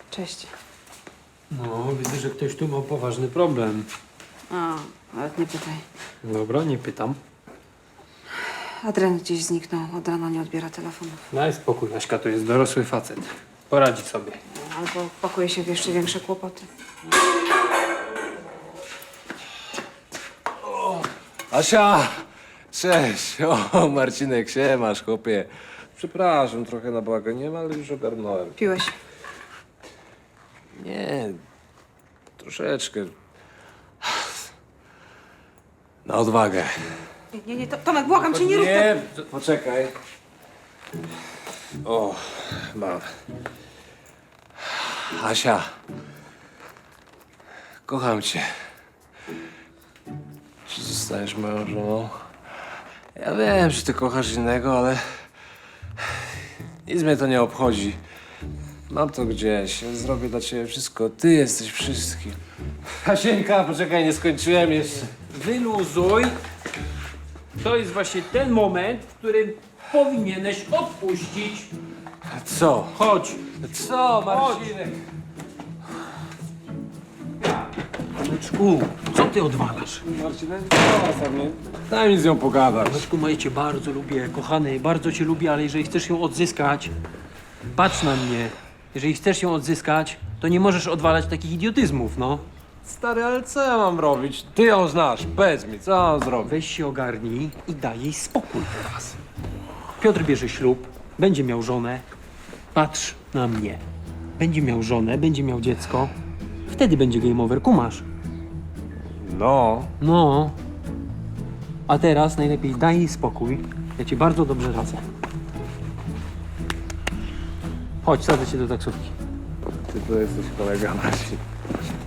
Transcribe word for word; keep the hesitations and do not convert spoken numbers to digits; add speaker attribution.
Speaker 1: Cześć.
Speaker 2: No, widzę, że ktoś tu ma poważny problem.
Speaker 1: A, nawet nie pytaj.
Speaker 2: Dobra, nie pytam.
Speaker 1: Adrian gdzieś zniknął. Od rana nie odbiera telefonów.
Speaker 2: Daj spokój, Aśka, to jest dorosły facet. Poradzi sobie.
Speaker 1: Albo pakuje się w jeszcze większe kłopoty.
Speaker 3: Asia! Cześć! O, Marcinek, siemasz, chłopie. Przepraszam, trochę na bałaganie, ale już ogarnąłem.
Speaker 1: Piłeś?
Speaker 3: Nie, troszeczkę. Na odwagę.
Speaker 1: Nie, nie, nie. To, Tomek, błagam cię, nie rób
Speaker 3: Nie, to- poczekaj. O, mam. Asia, kocham cię. Czy zostaniesz moją żoną? Ja wiem, że ty kochasz innego, ale nic mnie to nie obchodzi. Mam to gdzieś. Ja zrobię dla ciebie wszystko. Ty jesteś wszystkim. Hasieńka, poczekaj, nie skończyłem jeszcze.
Speaker 2: Wyluzuj. To jest właśnie ten moment, w którym powinieneś odpuścić.
Speaker 3: A co?
Speaker 2: Chodź.
Speaker 3: Co, Marcinek?
Speaker 2: Tomeczku, co ty odwalasz?
Speaker 3: Marcinek, co sobie? Daj mi z nią pogadać.
Speaker 2: Tomeczku, moje cię bardzo lubię, kochany, bardzo cię lubię, ale jeżeli chcesz ją odzyskać, patrz na mnie. Jeżeli chcesz ją odzyskać, to nie możesz odwalać takich idiotyzmów, no.
Speaker 3: Stary, ale co ja mam robić? Ty ją znasz, powiedz mi, co mam zrobić?
Speaker 2: Weź się ogarnij i daj jej spokój teraz. Piotr bierze ślub, będzie miał żonę. Patrz na mnie. Będzie miał żonę, będzie miał dziecko. Wtedy będzie game over, kumasz.
Speaker 3: No.
Speaker 2: No. A teraz najlepiej daj jej spokój. Ja ci bardzo dobrze radzę. Chodź, sadzę cię do taksówki.
Speaker 3: Ty to jesteś kolega, Marcin.